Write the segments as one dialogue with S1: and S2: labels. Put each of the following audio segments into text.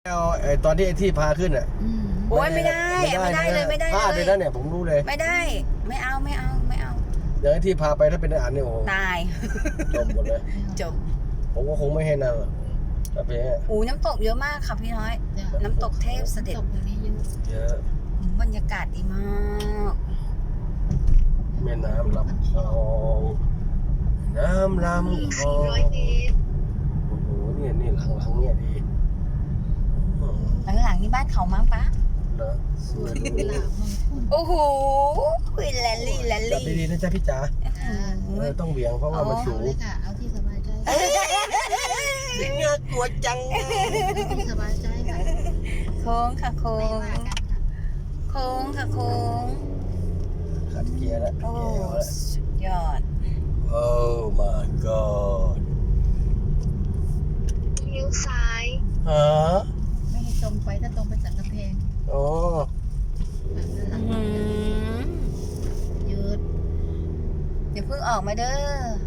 S1: เอาตอนที่ไอ้ที่พาขึ้นอ่ะ
S2: โอ้ยไม่ได้เลย
S1: พลาดเลยนะเนี่ยผมรู้เลย
S2: ไม่ได้ไม่เอา
S1: อย่างไอ้ที่พาไปถ้าเป็นอาหารเนี่ยโอ้โห
S2: ตาย
S1: จบหมดเลย
S2: จบ
S1: ผมก็คงไม่ให้นางหรอกถ้าเป็นอย่างเงี้ย
S2: อูน้ำตกเยอะมากค่ะพี่น้อย น้ำตกเทพเสด็จ
S3: ตกตรงนี้เยอะ
S1: เยอะ
S2: บรรยากาศดีมาก
S1: แม่น้ำลำคลองน้ำลำคลองโอ้โหนี่หลังเนี่ยดี
S2: หลังๆนี่บ้านเขามั้งปะ
S1: นะ
S3: สวนกุหลาบมังคุด
S2: โอ้โหแลนลี่
S1: จับดีๆนะจ๊ะพี่จ๋าต้องเหวี่ยงเพราะว่ามันสู
S3: เอา
S1: ง
S3: เลยค่ะ เอาที่สบายใจ
S1: เนี่ยกลัวจัง
S3: ที่สบายใจค่ะ
S2: โค้งค่ะโค้
S3: ไม่
S2: ง
S3: ว่ากันค่ะ
S2: โค้งค่ะโค้ง
S1: ขัดเกียร์แล้ว
S2: โอ้สุดยอด
S1: โอ้ my god
S4: เลี้ยวซ้าย
S1: ฮะ
S3: ไม่ให้ตรงไปถ้าตรงไปสันกำแพง
S1: โอ้
S3: หลัง
S2: อืม
S3: ยืด
S2: เดี๋ยวเพิ่งออกมาเด้อ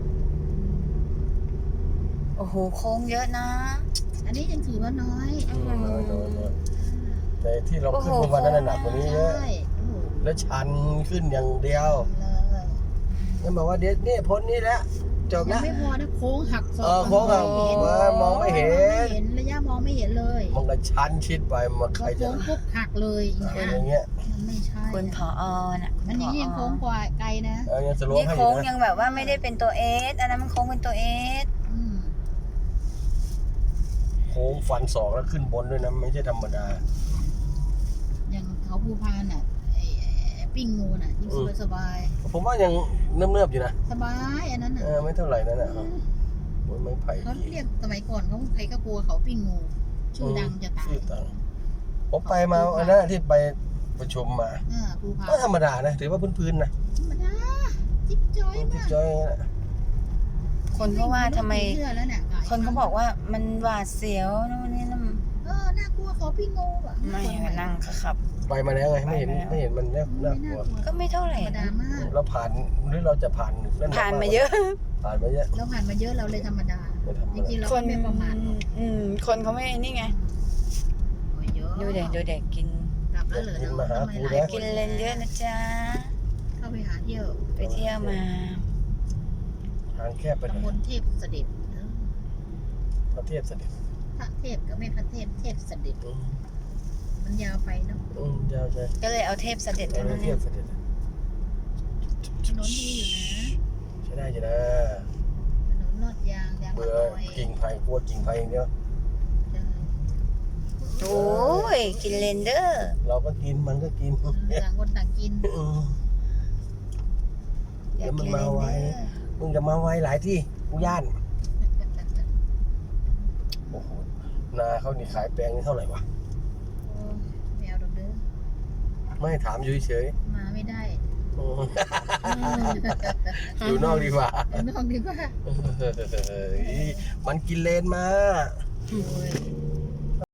S2: โอ้โหโค้งเยอะนะ
S3: อันนี้ยังถือว่าน้อย
S1: น้อยแต่ที่เราขึ้นวันนั้นหนักกว่านี้เยอะ
S3: ใช่โอ้โห
S1: แล้วชันขึ้นอย่างเดียว
S3: เลย
S1: นั่นบอกว่าเดี๋ยวนี่พ้นนี่แล้วจบ
S3: ยั
S1: แล้ว
S3: งไม่พอนะโค้งหักศอก
S1: โค้งหักมองไม่เห็น
S3: ระยะมองไม่เห็นเลย
S1: มันก็ชันชิดไปมาใค
S3: พ
S1: ร
S3: อ
S1: จะ
S3: โค้งปุ๊บหักเลยอย่าง
S1: อะไร
S3: เงี้ย
S1: อย่างเงี้ย
S3: มันไม่ใช่
S2: คุณผอน่ะ
S3: อันนี้ยังโค้งกว่าไกลนะ
S1: ยังสโลป
S2: นี่
S1: ให้อ
S2: โค้
S1: ยู่
S2: ง
S1: นะ
S2: ยังแบบว่าไม่ได้เป็นตัวเอสอันนั้นมันโค้งเป็นตัวเอส
S3: อืม
S1: โค้งฟันศอกแล้วขึ้นบนด้วยนะไม่ใช่ธรรมดา
S3: อย่างเขาภูพานอ่ะไอ้ปิ้งงูน่ะยิ่งสบาย
S1: ผมว่ายังเนิบๆอยู่นะ
S3: สบายอันนั้นน่ะ
S1: ไม่เท่าไหร่นั่นนะครับไม่ไผ่
S3: เขาเรียกสมัยก่อนเขาใครก็กลัวเขาปิ้งงู ชื่อดังจะตาย
S1: ชื่อดังผมไปมาอันนั้นที่ไปประชุมมา
S3: ภูพาน
S1: ก็ธรรมดานะถือว่าพื้นๆนะ
S3: ธรรมดาจิ๊บจ้อย
S1: จิ๊บ
S3: มาก
S1: จ้อย
S2: คนเขาว่าทำไม
S3: เชื่อแล้วเนี่ย
S2: คนเขาบอกว่ามันหวาดเสียวนู่นนี่นั่น
S3: น่ากลัวเขาปิ้งงูอ่ะ
S2: ไม่ก็นั่งขับ
S1: ไปมาแล้วไงไม่เห็นมันน่ากลัว
S2: ก็ไม่เท่าไหร่
S3: ธรรมดามาก
S1: เราผ่านหรือเราจะผ่านนั่น
S2: ผ่านมาเยอะ
S1: ผ่านมาเยอะ
S3: เราผ่านมาเยอะเราเลยธรรมดา
S1: ไม่ธรรม
S3: จริงๆ
S1: ดา
S3: เราก็ไม่ประมาทหรอก
S2: คนเขาไม่นี่ไง
S3: โอ้ยเยอะ
S2: ดูเด็กกิน
S3: กลับแล้วเหรอเนาะทำไมหลายค
S2: กินเลนเยอะนะจ๊ะ
S3: เข้าไปหาเที่ยว
S2: ไปเที่ยวมา
S1: ทางแคบไปหน่
S3: ตำบ
S1: อย
S3: ลเทพเสด็จ
S1: ประเทศเสด็จ
S3: พระเทพก็ไม่พระเทพเทพเสด็จมันยาวไปเนาะ
S1: ยาวใช่
S2: ก็เลยเอาเทพเสด็จเท่านั้น
S1: เที
S2: เอย
S1: บ
S2: ง
S1: เสด็จ
S3: ถนนดีอยู่นะ
S1: ใช้ได้จ้ะนะ
S3: ถนนลอดยางมะ
S1: เบื่
S3: ก
S1: อ
S3: อย
S1: กิ่งไผ่กลัวกิ่งไผ่อย่างเดียว
S2: โอ้ยกินเลนเดอร์
S1: เราก็กินมันก็กิน
S3: ต่างคนต่างกิน
S2: อยากกินเลนเดอร์
S1: มึงจะมาไวหลายที่กูย่านโอ้โหนาเขานี่ขายแปลงนี่เท่าไหร่วะ
S3: โอ้แมวดอกเด้อ
S1: ไม่ถามอยู่เฉย
S3: มาไม่ได้
S1: ๆอยู่นอกดีกว่า
S3: เดี๋ยวนอกดีกว่า
S1: มันกินเลนมา
S3: โอ้ย